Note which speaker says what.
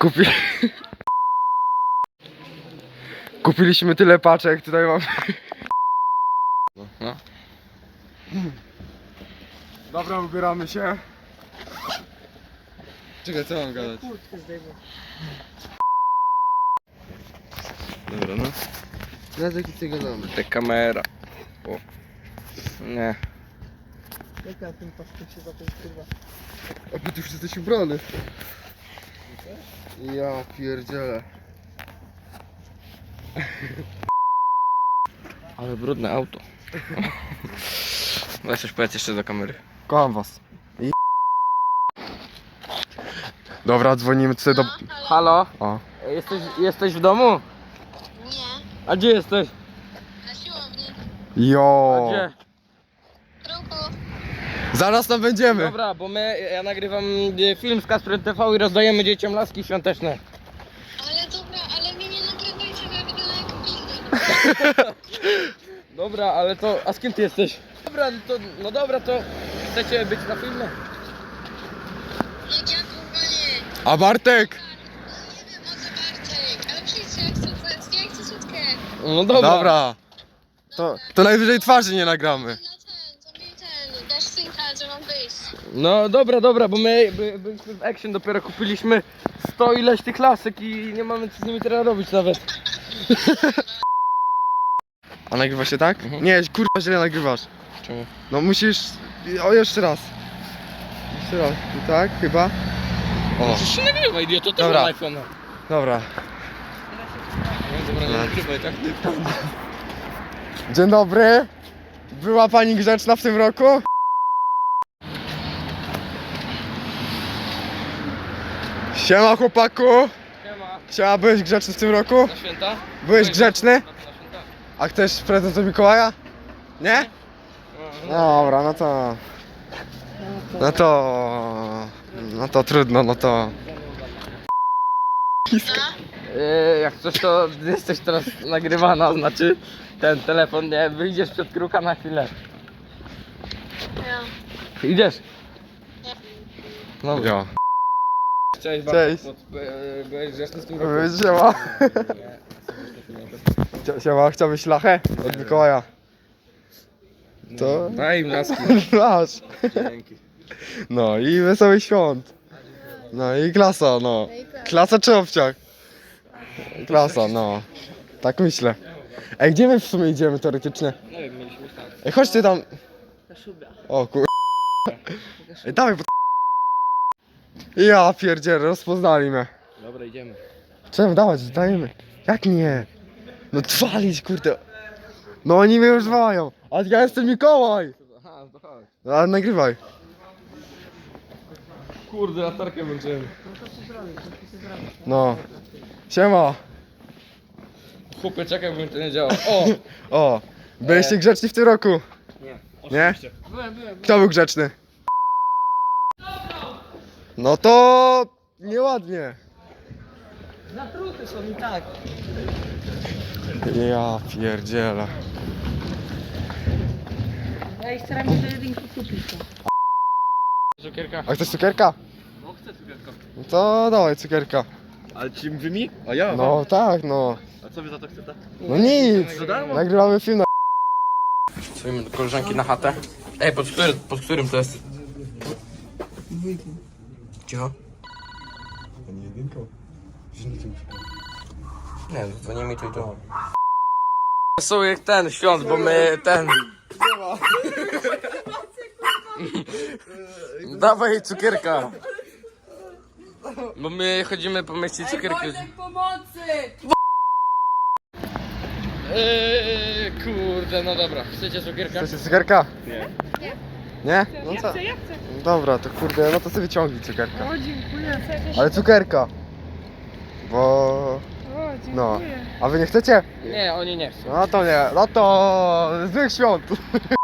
Speaker 1: Kupi... Kupiliśmy tyle paczek, tutaj mam... No. Dobra, ubieramy się. Czekaj, co mam gadać? Dobra, no.
Speaker 2: Na jaki ty gadamy?
Speaker 1: Ta kamera. O. Nie.
Speaker 2: Jak na tym pasku się zacząć, kurwa? A ty już jesteś ubrany. Ja pierdzielę.
Speaker 1: Ale brudne auto. Weź coś powiedz jeszcze do kamery.
Speaker 2: Kocham was. Dobra, dzwonimy tutaj do...
Speaker 1: Halo?
Speaker 2: O.
Speaker 1: Jesteś w domu?
Speaker 3: Nie,
Speaker 1: A gdzie jesteś?
Speaker 3: na siłowni.
Speaker 2: Jo.
Speaker 1: Gdzie?
Speaker 3: W ruchu.
Speaker 2: Zaraz tam będziemy.
Speaker 1: Dobra, bo ja nagrywam film z Kasprem TV i rozdajemy dzieciom laski świąteczne.
Speaker 3: Ale dobra, ale mnie nie nagrywajcie, bo ja wyglądam jak pizda.
Speaker 1: Dobra, ale to... A z kim ty jesteś? Dobra, no dobra, to chcecie być na filmie?
Speaker 3: No ja kurwa nie.
Speaker 2: A Bartek?
Speaker 3: Nie wiem o co Bartek, ale przyjdźcie, ja chcę słodkie.
Speaker 1: No dobra.
Speaker 2: Dobra. To najwyżej twarzy nie nagramy.
Speaker 3: No to mi dasz synka, że mam wyjść.
Speaker 1: No dobra, bo my byliśmy w Action, dopiero kupiliśmy 100 ileś tych lasek i nie mamy co z nimi teraz robić nawet.
Speaker 2: A nagrywa się tak?
Speaker 1: Mhm.
Speaker 2: Nie, kurwa źle nagrywasz.
Speaker 1: Czemu?
Speaker 2: No musisz... O, jeszcze raz. Jeszcze raz. I tak, chyba. O,
Speaker 1: Przecież się nagrywa, idioto, też
Speaker 2: Dobra.
Speaker 1: mam iPhone'a.
Speaker 2: dobra.
Speaker 1: No dobra, nie nagrywaj, tak?
Speaker 2: Dzień dobry. Była pani grzeczna w tym roku? Siema chłopaku.
Speaker 1: Siema.
Speaker 2: Siema, byłeś grzeczny w tym roku?
Speaker 1: Na święta?
Speaker 2: Byłeś grzeczny?
Speaker 1: Na święta.
Speaker 2: A chcesz prezent od Mikołaja? Nie? Dobra, no to... No to... No to trudno, no to...
Speaker 1: Jak coś to jesteś teraz nagrywana, znaczy ten telefon, nie, wyjdziesz przed kruka na chwilę.
Speaker 3: Ja.
Speaker 1: Idziesz?
Speaker 3: Nie.
Speaker 1: No,
Speaker 2: Jo.
Speaker 1: cześć,
Speaker 2: Cześć.
Speaker 1: Byłeś grzeczny w tym roku?
Speaker 2: Siema. Siema, chciałbyś lachę od Mikołaja? To...
Speaker 1: Daj im laski.
Speaker 2: Masz.
Speaker 1: Dzięki.
Speaker 2: No i wesołych świąt. No i klasa, no. Klasa czy obciach? Klasa, no. Tak myślę. Ej, gdzie my w sumie idziemy teoretycznie?
Speaker 1: Nie wiem, mieliśmy tak.
Speaker 2: Ej, chodźcie tam. O kur... Ej, dawaj, bo... Ja pierdzielę, rozpoznali mnie.
Speaker 1: Dobra, idziemy.
Speaker 2: Czemu dawać, dajemy. Jak nie? No walić, kurde. No oni mnie już wołają. A ja jestem Mikołaj.
Speaker 1: Aha, to chodź.
Speaker 2: No, ale nagrywaj.
Speaker 1: Kurde, latarkę włączyłem.
Speaker 2: No. Siema.
Speaker 1: Chłopie, czekaj, bo mi to nie działa. O!
Speaker 2: O. Byliście grzeczni w tym roku?
Speaker 1: Nie.
Speaker 2: Nie?
Speaker 1: Byłem.
Speaker 2: Kto był grzeczny? No to... nieładnie.
Speaker 1: Zatruty są i tak.
Speaker 2: Ja pierdzielę.
Speaker 4: Ja ich staram się do jedynki kupić.
Speaker 1: Cukierka.
Speaker 2: A chcesz cukierka?
Speaker 1: No chcę cukierka.
Speaker 2: No to dawaj cukierka.
Speaker 1: Ale ci wy mi? A ja?
Speaker 2: No tak, no.
Speaker 1: A co wy za to chcecie?
Speaker 2: No nic.
Speaker 1: Za darmo?
Speaker 2: Nagrywamy film na...
Speaker 1: Stoimy do koleżanki na chatę. Ej, pod którym to jest? Cicho. Nie, dzwonię mi tu i tu. Wesołych ten świąt, bo my ten... Dawaj cukierka. Bo my chodzimy po mieście cukierki.
Speaker 4: Pomocy!
Speaker 1: Kurde, no dobra. Chcecie cukierka?
Speaker 2: Chcecie cukierka?
Speaker 1: Nie.
Speaker 2: Nie? No co?
Speaker 4: Ja chcę.
Speaker 2: Dobra, to kurde, no to sobie wyciągnij cukierka.
Speaker 4: O, dziękuję.
Speaker 2: Ale cukierka. Bo...
Speaker 4: O, dziękuję.
Speaker 2: No. A wy nie chcecie?
Speaker 1: Nie, oni nie chcą.
Speaker 2: No to nie. No to... złych świąt.